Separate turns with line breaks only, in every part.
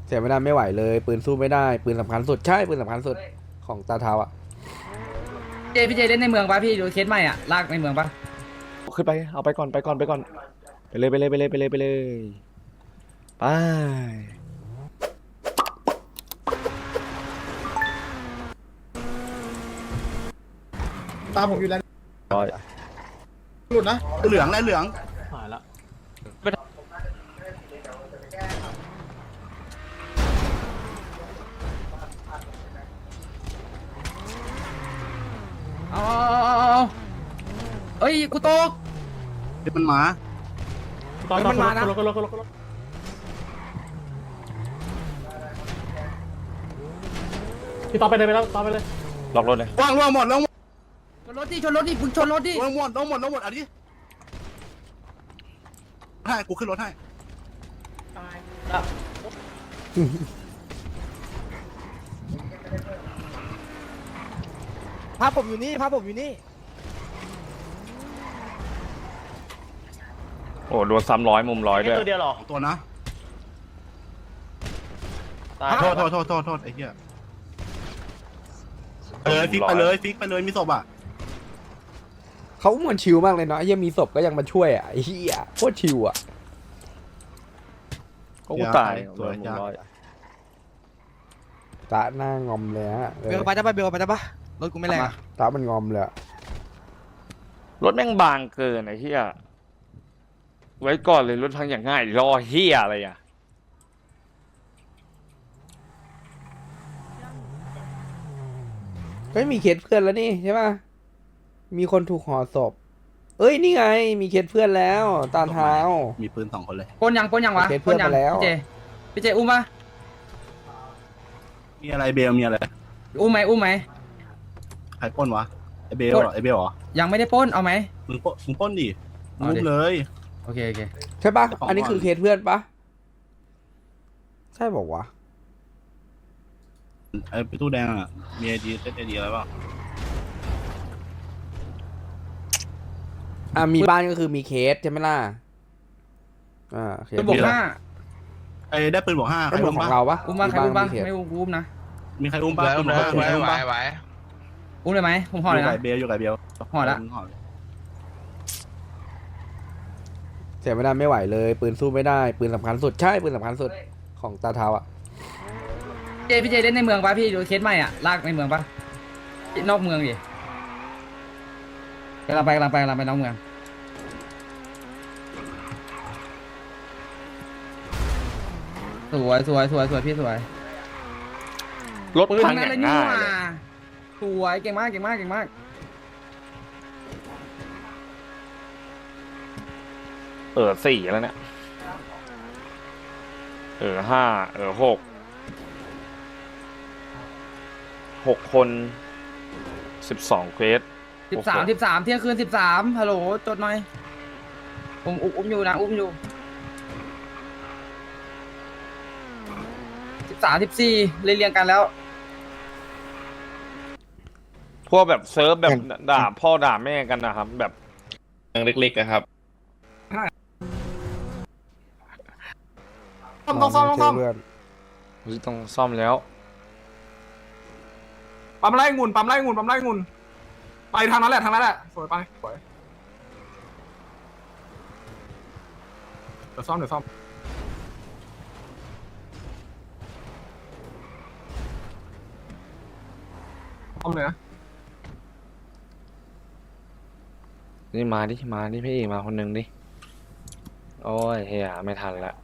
เสียไม่ได้ไม่ไหวเลยปืนสู้ไม่ได้ปืนสำคัญสุดใช่ปืนสำคัญสุดของตาเท้าอ่ะ
พี่เจเล่นในเมืองปะพี่ดูเคสใหม่อ่ะลากในเมืองปะ
ขึ้นไปเอาไปก่อนไปก่อนไปก่อนไปเลยไปเลยไปเลยไปเลยไปเลยไป
ตามผมอยู่แล้ว
ร้อย
หลุดนะเหลืองและเหลือง
หายละ
เอาเอ้ยกูตก
เดี๋ยวมันมา
ตอน
มันมานะ
รถพี่ต่อไปเลยไปแล้วต่อไปเลย
ล็อกรถเลย
ว่างหมดแล้ว
ชนรถดิชนรถดิมึงชนรถดิ
ว่างหมดเอาดิให้กูขึ้นรถให้
พาผมอยู่นี่พาผมอยู่นี่
โอ้โดนซ้ำ100มุม100ด้วย
ตัวเดียวหรอ
ตัวนะ
ตาย
โทษไอ้เหี้ยฟิกไปเลยฟิกไปเลยมีศพอ่ะ
เขาเหมือนชิลมากเลยเนาะยังมีศพก็ยังมาช่วยอ่ะไอ้เหี้ยโคตรชิลอ่ะก็ตาย
สวยจ้า
ตาหน้างอมเลยฮะ
เบลไปได้ปะเบลไปได้ปะรถกูไม่แรงอะ
ตามันงอมเลยอะ
รถแม่งบางเกินไอ้เหี้ยไว้ก่อนเลยรถพังอย่างง่ายรอเหี้ยอะไรอ่ะ
เฮ้ยมีเคสเพื่อนแล้วนี่ใช่ป่ะมีคนถูกห่อศพเอ้ยนี่ไงมีเคสเพื่อนแล้วตาเท้า
มีปืน2 คนเลย
ปนยังวะ
โอเคเพื่อนมาแล้ว
พี่เจอุ้มปะ
มีอะไรเบลมีอะไร
อุ้มไหม
ใครปล้นวะไอเบลเหรอเหรอ
ยังไม่ได้ปล้นเอาไหม
มึงปล้นดิมุกเลย
โอเค
ใช่ป่ะ
เจ้าของ
อันนี้คือเคสเพื่อนป่ะใช่บอกว่าวะ
ไอ้ตู้แดงอ่ะมีไอดีเซตไอดีอะไรบ้าง
มีบ้านก็คือมีเคสใช่ไหมล่ะเคส
ปืนบวก
ไอ้ได้ปืนบวก5ใคร
เป็น
อุ้ม
ของ
ปะ
เราปะ
5อุ้มปะใครอุ้มปะ
เคส
ไม่อุ้มนะ
มีใครอุ้มปะปืนบวก5มีใครอุ้มปะ
อุ้มเลยไหมผมห่อ
อ
เลย
ยู่
นะ
กับเบลอยู่กับเบล
ห่อละ
เสียไม่ได้ไม่ไหวเลยปืนสู้ไม่ได้ปืนสำคัญสุดใช่ปืนสำคัญสุดของตาเท้าอ่ะ
พี่เจเล่นในเมืองปะพี่ดูเคสใหม่อ่ะลากในเมืองปะนอกเมืองดิกำลังไปนอกเมืองสวยพี่สวย
รถพัง
นั่
อน ย่าง
เลยนี่
ง่าย
หว่า
เลย
สวยเก่งมาก
4แล้วเนี่ย56คน12เควส
13เที่ยงคืน13ฮัลโหลจดหน่อยผมอุ้มอยู่นะอุ้มอยู่14เรียงกันแล้ว
พวกแบบเซิร์ฟแบบด่าพ่อด่าแม่กันนะครับ แบบ
เล็กๆนะครับ
ต้องซ่อมเพื่อน
ต้องซ่อมแล้ว
ปั๊มไล่งุ่นไปทางนั้นแหละสวยไปสวยเดี๋ยวซ่อมเลยนะ
นี่มาดิพี่เอกมาคนหนึ่งดิโอ้ยเฮียไม่ทันละ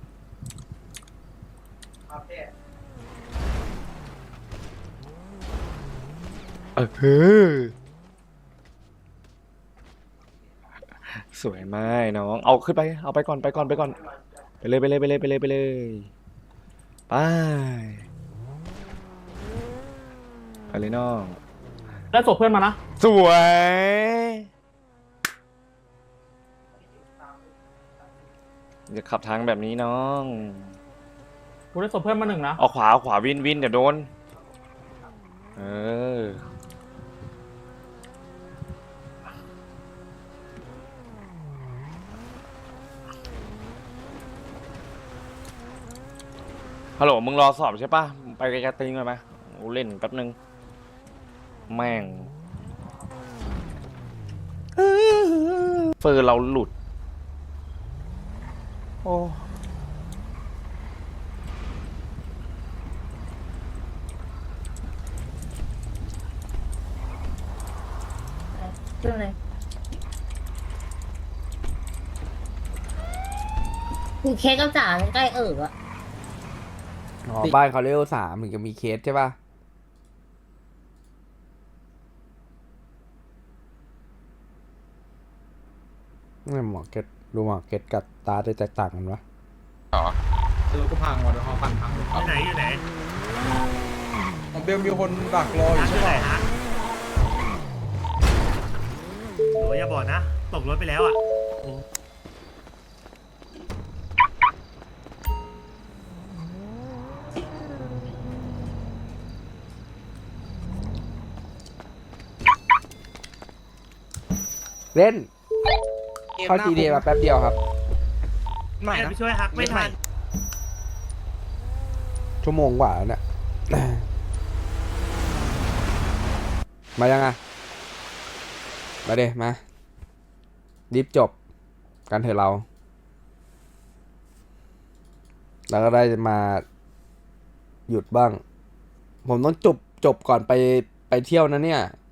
สวยมากน้องเอาขึ้นไปเอาไปก่อนไปเลยไปเลยไปเลยน้อง
ได้ศพเพื่อนมานะ
สวยอย่าขับทางแบบนี้น้อง
กูได้ศพเพื่อนมา1นะ
เอาขวาวินเดี๋ยวโดนฮัลโหลมึงรอสอบใช่ปะไปไกลๆติ้งเลยไหมกูเล่นแป๊บนึงแม่งเฟอร์เราหลุดโอ้
เรื่องอะไรคือเคสกับจ๋าใกล้อะ
อ๋อบ้านเขาเลเวล3ถึงจะมีเคสใช่ป่ะนี่หมอเก็ตดูหมอเก็ตกับตาจะแตกต่างกันวะ
รถกูพังว่ะเดี๋ยวหอปั่นพัง
อยู่ไหนอยู่ไหน
เบลมีคนดักรออยู่
ร้านอ
ใช่
ยู่ไห
ไห
น
ม
ฮะโหอย่าบอกนะ ตกรถไปแล้วอ่ะโอ้
เล่นเข้า GTA มาแป๊บเดียวครับ
ใหม่
ไม่
นะ
ไปช่วยฮักไม่ทัน
ชั่วโมงกว่าแล้วเนี่ย มายังอ่ะ มาเดมารีบจบกันเถอะเรา แล้วก็ได้มาหยุดบ้าง ผมต้องจบก่อนไปเที่ยวนะเนี่ย